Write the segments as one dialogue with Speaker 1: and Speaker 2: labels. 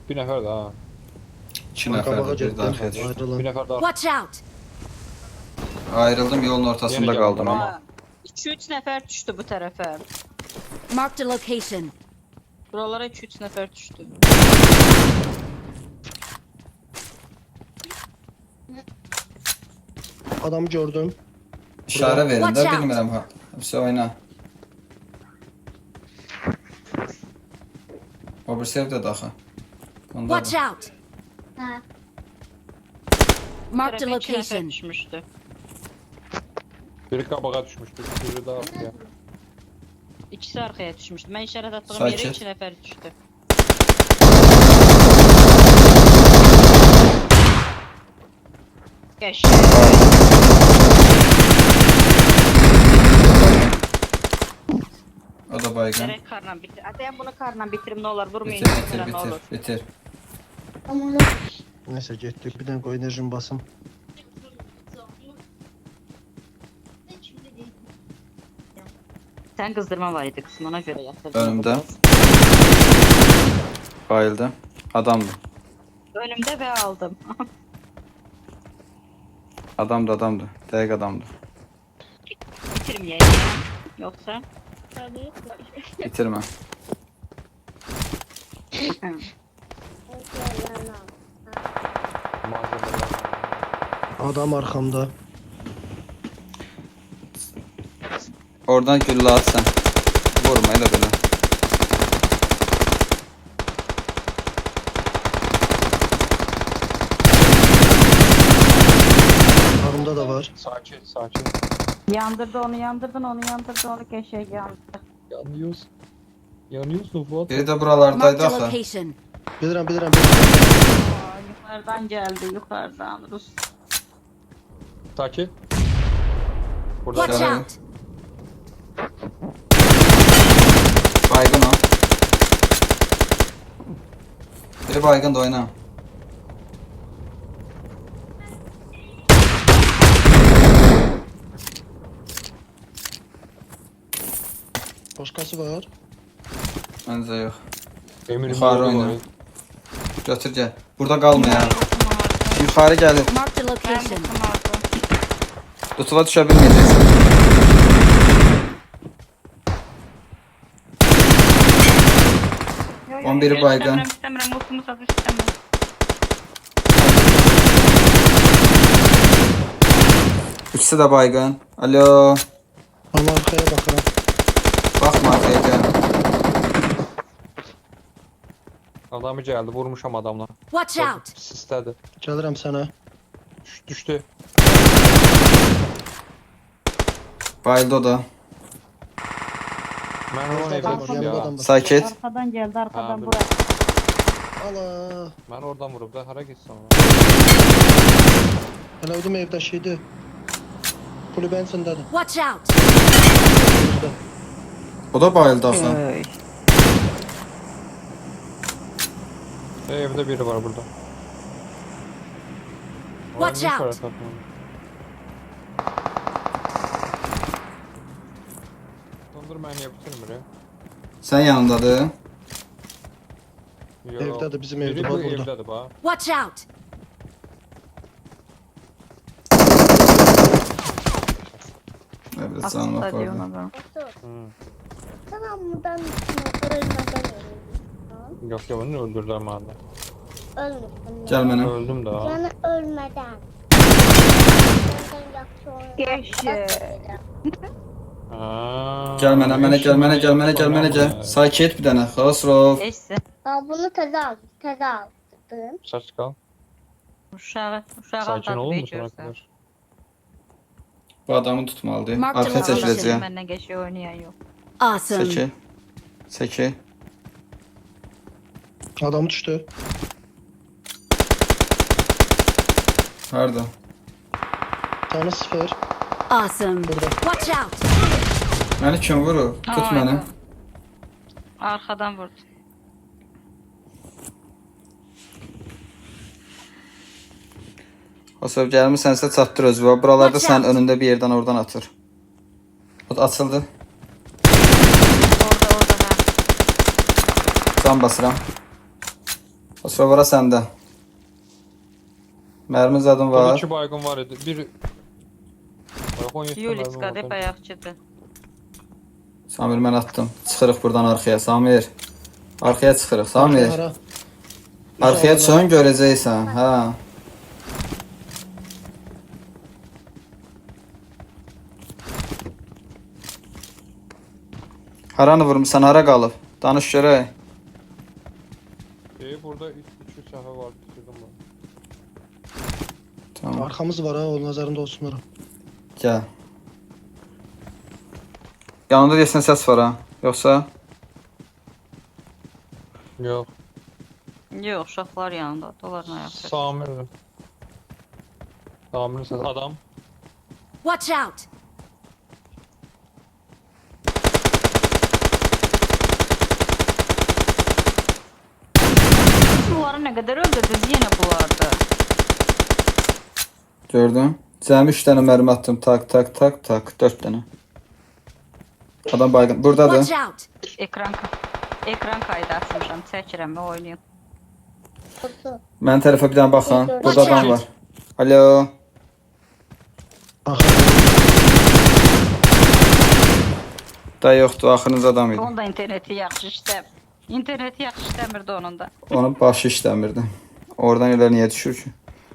Speaker 1: Bir nəfər də ha.
Speaker 2: 2
Speaker 3: Qabağa
Speaker 2: nəfər bir
Speaker 3: getdim.
Speaker 2: də arxaya düşdü.
Speaker 3: Ayrılan.
Speaker 1: Bir nəfər də
Speaker 4: Watch out!
Speaker 2: Ayrıldım, yolun ortasında
Speaker 1: Yeni
Speaker 2: qaldım
Speaker 1: geldim
Speaker 2: ama.
Speaker 1: ama.
Speaker 5: 2-3 nəfər düşdü bu tərəfə.
Speaker 4: Marked a location.
Speaker 5: Buralara 2-3 nəfər düşdü.
Speaker 3: Adamı gördüm.
Speaker 2: İşarə verin
Speaker 4: Watch
Speaker 2: də,
Speaker 4: out.
Speaker 2: bilmirəm ha. Hepsi oyna. O bir sevdə daxı.
Speaker 4: Watch out! Marked a
Speaker 5: Tərəfə 2 nəfər
Speaker 4: location.
Speaker 5: düşmüşdü.
Speaker 1: biri qabağa düşmüşdü, biri də arxaya.
Speaker 5: İkisi arxaya düşmüşdü. Mən işarət atdığım
Speaker 2: Sakit.
Speaker 5: yerə 2 nəfər düşdü. Gəş.
Speaker 2: O da baygın.
Speaker 5: Gərək karla bitir. Ətəyən bunu karla bitirim nə olar. Vurmayın.
Speaker 2: Bitir,
Speaker 5: Bitir,
Speaker 2: bitir,
Speaker 5: nə olur.
Speaker 2: bitir, bitir.
Speaker 3: Neyse getdik. Bir dənə qoy enerjimi basım.
Speaker 5: Sən qızdırma var idi qısım, ona görə yatırdım.
Speaker 2: Önümdə. Bayıldı. Adamdı.
Speaker 5: Önümdə və aldım.
Speaker 2: Adamdı. Dəqiq adamdı.
Speaker 5: Bitirməyəydim. Yoxsa?
Speaker 2: Bitirmə.
Speaker 1: Malzemələr.
Speaker 3: Adam arxamda.
Speaker 2: Oradan güllə at sən. Vurma elə belə.
Speaker 3: Arımda da var.
Speaker 1: Sakin, sakin.
Speaker 5: Yandırdı onu, yandırdın onu, yandırdı onu, keşək yandı.
Speaker 1: Yanıyorsun. Yanıyorsun Fuat.
Speaker 2: Biri də
Speaker 4: Marked
Speaker 2: buralardaydı
Speaker 4: a
Speaker 2: axı.
Speaker 4: location.
Speaker 3: Bilirəm.
Speaker 5: Aa, yuxarıdan gəldi, yuxarıdan. Rus.
Speaker 1: Sakin. Burada
Speaker 4: Watch
Speaker 2: Şöyle.
Speaker 4: out!
Speaker 2: Baygın o. Biri baygın da oyna.
Speaker 3: Başqası var.
Speaker 2: Məncə yox.
Speaker 1: eminim
Speaker 2: Yuxarı
Speaker 1: yolu
Speaker 2: oyna.
Speaker 1: var.
Speaker 2: Götür gəl. Burada qalma ya. Yuxarı gəlir.
Speaker 4: Marked a location.
Speaker 2: Tutuva düşə bilməyəcəksən.
Speaker 5: Yo,
Speaker 2: 11'i baygın.
Speaker 5: İstəmirəm, ultumu satış istəmirəm.
Speaker 2: İkisi də baygın. Alo.
Speaker 3: Ama arkaya baxıram.
Speaker 2: Baxma arxaya gəl.
Speaker 1: Adamı gəldi, vurmuşam adamla.
Speaker 4: Watch out!
Speaker 1: Sistədir.
Speaker 3: Gəlirəm sənə.
Speaker 1: Düşdü.
Speaker 2: Bayıldı o da.
Speaker 1: Mən onun
Speaker 3: Yanımda
Speaker 1: evdə vurub ya.
Speaker 3: adam var.
Speaker 2: Sakit.
Speaker 5: Arxadan gəldi, arxadan
Speaker 1: Ha,
Speaker 5: bura.
Speaker 3: Ala.
Speaker 1: Mən oradan vurub da hara getsən ona.
Speaker 3: Hələ ödüm evdəşiydi. Kulübənin içindədir.
Speaker 4: Watch out!
Speaker 3: Gözdə.
Speaker 2: O da bayıldı axı.
Speaker 1: Evdə biri var burada.
Speaker 4: Watch
Speaker 1: Var,
Speaker 4: out.
Speaker 1: işarət atmadı. Dondur məni niyə bitirmir ya?
Speaker 2: Sən yanındadır.
Speaker 1: Yox.
Speaker 3: Evdədir, bizim
Speaker 1: Biri
Speaker 3: evdə,
Speaker 1: bu
Speaker 3: bax burada.
Speaker 1: evdədir, bax.
Speaker 4: Watch out!
Speaker 2: Evet, canım bak orada.
Speaker 1: Hı.
Speaker 6: Tamam buradan ölmeden ölüyorum.
Speaker 1: Yox, yox, onu öldürdülər məni.
Speaker 6: Ölmüşsün.
Speaker 2: Gəl mənə.
Speaker 1: Öldüm də.
Speaker 6: Yani ölmeden.
Speaker 5: Keşke.
Speaker 2: Gəl mənə, gəl. Sakit bir dənə. Xosrov.
Speaker 5: Eşsi.
Speaker 6: Bunu taze aldım.
Speaker 1: Saç qal.
Speaker 5: Uşağı
Speaker 1: Sakin
Speaker 5: aldadı
Speaker 1: olur
Speaker 5: bir
Speaker 1: musun
Speaker 5: görsən.
Speaker 1: arkadaş?
Speaker 2: Bu adamı tutmalıdır.
Speaker 4: Mark
Speaker 2: Arxa
Speaker 4: the location.
Speaker 2: çəkiləcək.
Speaker 5: Məndən keşke oynayan yox.
Speaker 4: Awesome.
Speaker 2: Çəkil. Çəkil.
Speaker 3: Adam düşdü.
Speaker 2: Harda?
Speaker 3: Tanı 0.
Speaker 4: Awesome.
Speaker 3: Burada.
Speaker 4: Watch out!
Speaker 2: Məni kim vurur? Tut
Speaker 5: Ay,
Speaker 2: məni.
Speaker 5: Arxadan vurdu.
Speaker 2: Xosrov gəlmisənsə çatdır özü. Buralarda
Speaker 4: Watch
Speaker 2: sənin
Speaker 4: out.
Speaker 2: önündə bir yerdən oradan atır. O da açıldı.
Speaker 5: Orada ha.
Speaker 2: Can basıram. Xosrov ora səndə. Mərmi zadım
Speaker 1: Burada
Speaker 2: var.
Speaker 1: 2 baygın var idi. Bir... Bax, 17
Speaker 5: Yuliska
Speaker 1: mərmi
Speaker 5: de
Speaker 1: var.
Speaker 5: bayaqçıdır.
Speaker 2: Samir mən atdım. Çıxırıq buradan arxaya. Samir. Arxaya çıxırıq. Samir.
Speaker 3: Hara?
Speaker 2: Arxaya çıxın görəcəksən. Hə. Haranı vurmusan? Hara qalıb? Danış görək.
Speaker 1: Burada 2 səfə var. Bitirdim ben.
Speaker 2: Tamam.
Speaker 3: Arkamız var ha, o nazarında olsunlar.
Speaker 2: Gəl. Yanında deyəsən səs var ha. Yoxsa?
Speaker 1: Yok.
Speaker 5: Yox, uşaqlar yanında. Onların ayaqda.
Speaker 1: Samir'dir. Samir'in səsi. Adam.
Speaker 4: Watch out!
Speaker 5: Bunları nə qədər öldürdünüz yenə bunlardı.
Speaker 2: Gördün? Cəmi 3 dənə mərmi attım. Tak, tak, tak, tak. 4 dənə. Adam baygın. Buradadır.
Speaker 4: Watch out!
Speaker 5: Ekran kaydı açmışam. Çəkirəm və oynayım.
Speaker 6: Kutu.
Speaker 2: Mənim tərəfə bir dənə baxın. Burada
Speaker 4: Watch
Speaker 2: adam
Speaker 4: out.
Speaker 2: var. Alo.
Speaker 3: Bak.
Speaker 2: Da yoxdur. Axırıncı adam idi.
Speaker 5: Onun da interneti yaxşı işləmir. İnterneti yaxşı işləmirdi onun da.
Speaker 2: Onun başı işləmirdi. Oradan elə niyə düşür ki?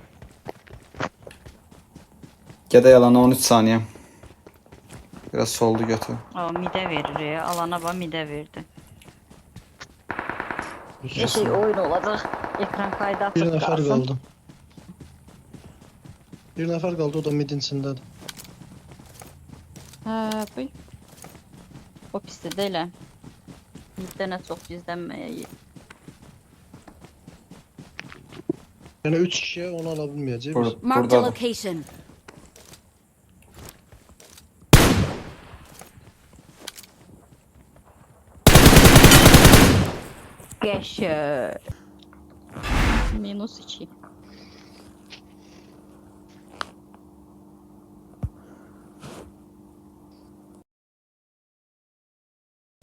Speaker 2: Gədə yalana 13 saniyə. Biraz soldu götür.
Speaker 5: O midə verir ya. Alana bax midə verdi. Bir şey oyun olacaq. Ekran kaydı
Speaker 3: Bir
Speaker 5: açıb
Speaker 3: nefer
Speaker 5: qalsın.
Speaker 3: kaldı. Bir nefer kaldı, o da midin içindedir.
Speaker 5: Hə, bu. O pisdir də elə. Middə nə çox gizlənməyək.
Speaker 3: Yani 3 kişiye onu alabilmeyeceğiz.
Speaker 2: Burada,
Speaker 4: Marked a
Speaker 2: buradadır.
Speaker 4: location.
Speaker 5: Qəşəng. -2.